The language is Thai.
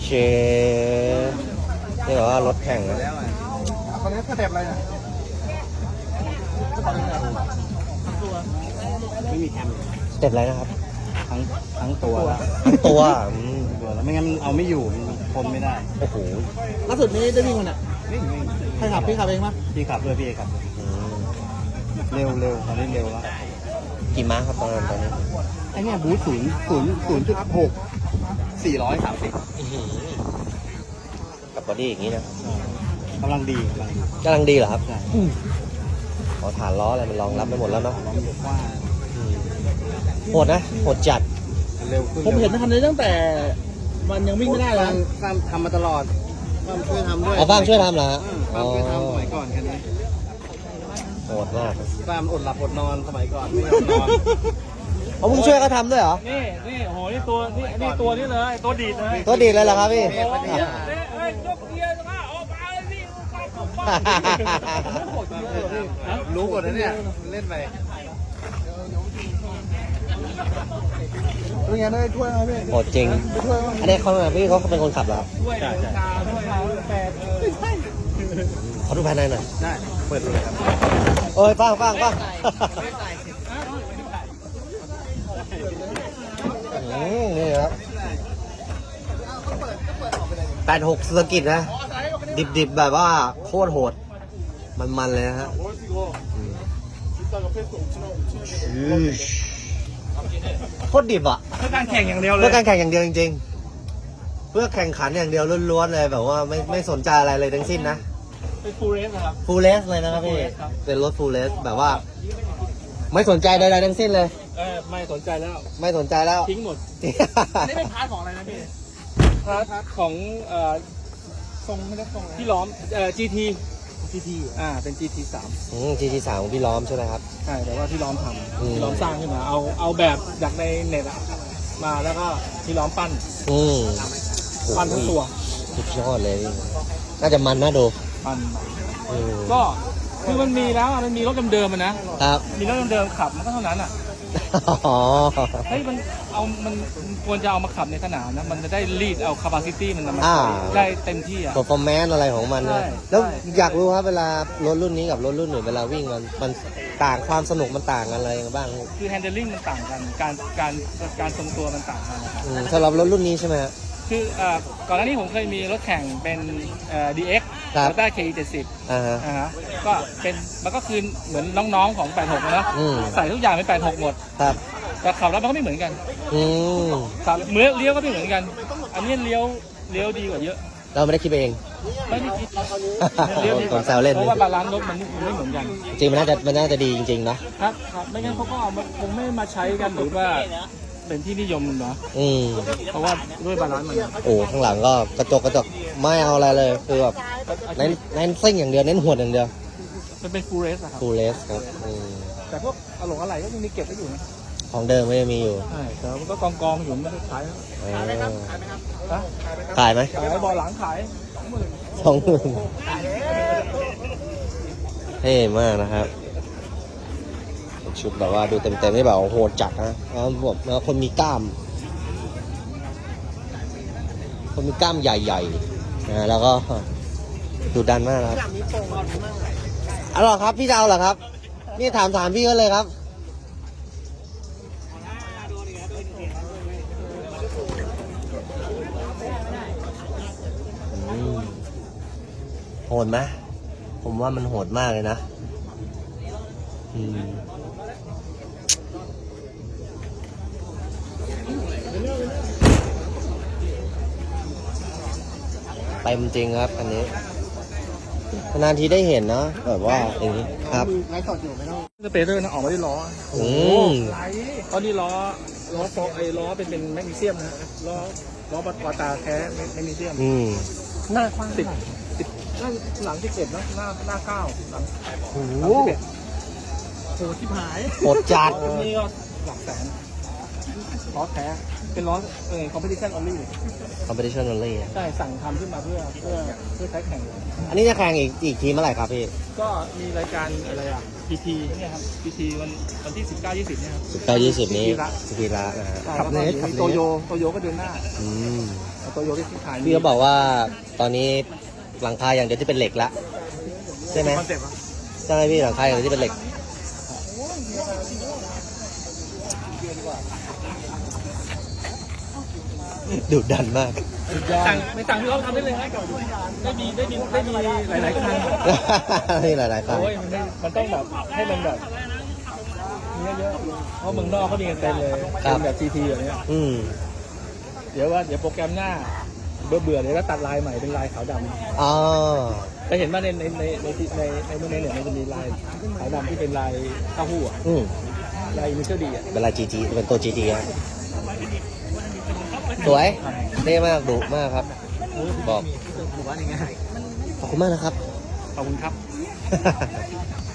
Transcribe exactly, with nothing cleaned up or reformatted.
เชนี่แบบว่ารถแข่งนะตอนนี้สเต็ปอะไรเนี่ยไม่มีแคมสเต็ปอะไรนะครับทั้งทั้งตัวทั้งตัวอืมตัวแล้วไม่งั้นเอาไม่อยู่มันทนไม่ได้โอ้โหล่าสุดนี้ได้วิ่งมันอ่ะวิ่งวิ่งใครขับพี่ขับเองปะพี่ขับด้วยพี่ขับอืมเร็วเร็วตอนนี้เร็วแล้วกี่ม้าครับตอนนั้นตอนนี้ไอ้เนี่ยบูทศูนย์ศูนย์ศูนย์จุดหกสี่ร้อยสามสิบอื้อหือกับบอดี้อย่างนี้นะกำลังดีกำลังดีกำลังดีเหรอครับใช่ขอฐานล้ออะไรมันรองรับไปหมดแล้วเนาะล้อมอยู่กว้างอืมโหดนะโหดจัดเร็วขึ้นผมเห็นคันนี้ตั้งแต่มันยังวิ่งไม่ได้เลยนะฟาร์มทำมาตลอดฟาร์มช่วยทำด้วยเอาบ้างช่วยทำเหรอฮะอืมฟาร์มช่วยทำสมัยก่อนคันนี้โหดมากฟาร์มอดหลับอดนอนสมัยก่อนไม่ยอมนอนเอามึงช่วยเขาทำด้วยเหรอนี่นี่โอ้โหนี่ตัวนี่นี่ตัวนี้เลยตัวดีดเลยตัวดีดเลยเหรอครับพี่เทพปัญญาเอ้ยเอ้ยยกเกียร์นะออกมาเลยพี่เข้าเข้าบ้านรู้หมดนะเนี่ยเล่นไปเป็นไงได้ถ้วยไหมพี่โหดจริงได้ถ้วยมั้ยอันนี้เขาพี่เขาเป็นคนขับเหรอครับด้วยราคาด้วยราคาแปดเออขอดูภายในหน่อยได้เปิดเลยครับเอ้ยฟังฟังฟังอืมนี่ครับแปดหกสกิดนะ ดิบๆแบบว่าโคตรโหด มันๆเลยนะฮะอืมอืมโคตรดิบอ่ะเพื่อการแข่งอย่างเดียวเลเพื่อย การแข่งอย่างเดียวจริงๆ เพื่อแข่งขันอย่างเดียวล้วนๆเลยแบบว่าไม่ไม่สนใจอะไรเลยทั้งสิ้นนะเป็นฟูลเรสนะครับฟูลเลสเลยนะครับพี่ Full race ครับเป็นรถฟูลเลสแบบว่า ไม่สนใจใดๆทั้งสิ้นเลยเออไม่สนใจแล้วไม่สนใจแล้วทิ้งหมดอันนี้เป็นพาร์ทของอะไรนะพี่พาร์ทของเอ่อทรงไม่ได้ทรงเลยที่ล้อมเอ่อ จี ทีทีทีอ่าเป็น จี ที สามอืม จี ที สามของพี่ล้อมใช่ไหมครับใช่แต่ว่าที่ล้อมทอืมำที่ล้อมสร้างขึ้นมาเอาเอาแบบจากในเน็ตอะมาแล้วก็ที่ล้อมปั้นอืมปั้นทั้งตัวสุดยอดเลยพี่น่าจะมันน่าดูปั้นอืมก็คือมันมีแล้วอะมันมีรถเดิมๆมันนะครับ มีรถเดิมๆขับมันก็เท่านั้นอ่ะอ๋อเฮ้ยมันเอามันมันควรจะเอามาขับในสนามนะมันจะได้รีดเอา capacity มันมาอ่าได้เต็มที่อ่ะ performance อะไรของมันใช่นะแล้วใช่อยากรู้ครับเวลารถรุ่นนี้กับรถรุ่นอื่นเวลาวิ่งมันมันต่างความสนุกมันต่างกันอะไรกันบ้างคือ handling มันต่างกันการการการทรงตัวมันต่างกันนะครับอืมสำหรับรถรุ่นนี้ใช่ไหมฮะคือเอ่อก่อนหน้านี้ผมเคยมีรถแข่งเป็นเอ่อ ดี เอ็กซ์ครับ Toyota เค อี เจ็ดสิบอ่าฮะอ่าฮะก็เป็นมันก็คือเหมือนน้องๆของแปดหกนะอืมใส่ทุกอย่างเป็นแปดหกหมดครับแต่ขับแล้วมันก็ไม่เหมือนกันอืมขับเมื่อเลี้ยวก็ไม่เหมือนกัน อันนี้เลี้ยวเลี้ยวดีกว่าเยอะเราไม่ได้คิดไปเองไม่ได้คิดเลี้ยวดีกผมแซวเล่นเพราะว่าบาลานซ์รถมันไม่เหมือนกันจริงมันน่าจะมันน่าจะดีจริงๆนะครับครับไม่งั้นเขาก็เอามาคงไม่มาใช้กันหรือว่าเป็นที่นิยมเนาะอืมเพราะว่าด้วยบาลานซ์มันโอ้ข้างหลังก็กระจกกระจกไม่เอาอะไรเลยคือแบบเน้นเน้นซิ่งอย่างเดียวเน้นหวดอย่างเดียวมันเป็นฟูลเรสอะครับฟูลเลสครับอืมแต่พวกอะหลงอะไรก็ยังมีเก็บไว้อยู่นะของเดิมไม่ได้มีอยู่ใช่แต่มันก็กองกองๆอยู่ไม่ได้ขายนะเออฮะขายไหมขายบอลหลังขายสองหมื่นเท่มากนะครับชุดแบบว่าดูเต็มๆนี่แบบโหดจัดนะแล้วแบบแล้วคนมีกล้าม คนมีกล้ามใหญ่ๆนะแล้วก็ดูดันมากครับเอาเหรอครับพี่จะเอาเหรอครับนี่ถามถามพี่ก็เลยครับอืมโหดไหมผมว่ามันโหดมากเลยนะอืมเต็มจริงครับอันนี้นานทีได้เห็นเนาะแบบว่าอย่างนี้ครับไลฟ์สดอยู่ไม่ต้องสเปเดอร์นะออกมาที่ล้ออืมตอนนี้ล้อล้อโฟไอ้ล้อเป็นเป็นแมกนีเซียมนะล้อล้อบัตวาตาแท้แมกนีเซียมอืมหน้ากว้างสิบสิบหน้าหลังสิบเอ็ดนะหน้าหน้าเก้าหลังโอ้หโหลังสิบเอ็ดโหที่หายโหดจัดนี่ก็หลักแสนล้อแท้เป็นล้อเออ competition only competition only อะใช่สั่งทำขึ้นมาเพื่อเพื่อเพื่อใช้แข่งอันนี้จะแข่งอีกอีกทีเมื่อไหร่ครับพี่ก็มีรายการอะไรอ่ะ พี ที เนี่ยครับ พี ที วันวันที่สิบเก้ายี่สิบเนี่ยครับสิบเก้ายี่สิบนี้พีทีละสกีระนะฮะใช่แล้วก็เดี๋ยวมีโตโยโตโยก็เดือนหน้าอืมโตตัวโยที่ขายพี่ก็บอกว่าตอนนี้หลังคาอย่างเดียวที่เป็นเหล็กละใช่ไหมคอนเซ็ปต์อะใช่ไหมพี่หลังคาอย่างเดียวที่เป็นเหล็กดุดันมากสั่งไม่สั่งพี่เขาทำได้เลยฮะได้มีได้มีได้มีหลายๆคันนี่หลายๆครั้งโอ้ยมันไม่มันต้องแบบให้มันแบบมีเยอะๆเพราะเมืองนอกเขามีกันเต็มเลยเป็นแบบทีทีแบบเนี้ยอืมเดี๋ยวว่าเดี๋ยวโปรแกรมหน้าเบื่อเบื่อๆเดี๋ยวก็ตัดลายใหม่เป็นลายขาวดอ๋อำไปเห็นว่าในในในในในในในเนี่ยมันจะมีลายขาวดำที่เป็นลายเต้าหู้อะอืมลายอินิเชียลดีอ่ะเป็นลายจีจีเป็นตัวจีจีฮะสวยเท่มากดุมากครับ บอกหมู่บ้านยังไงขอบคุณมากนะครับขอบคุณครับ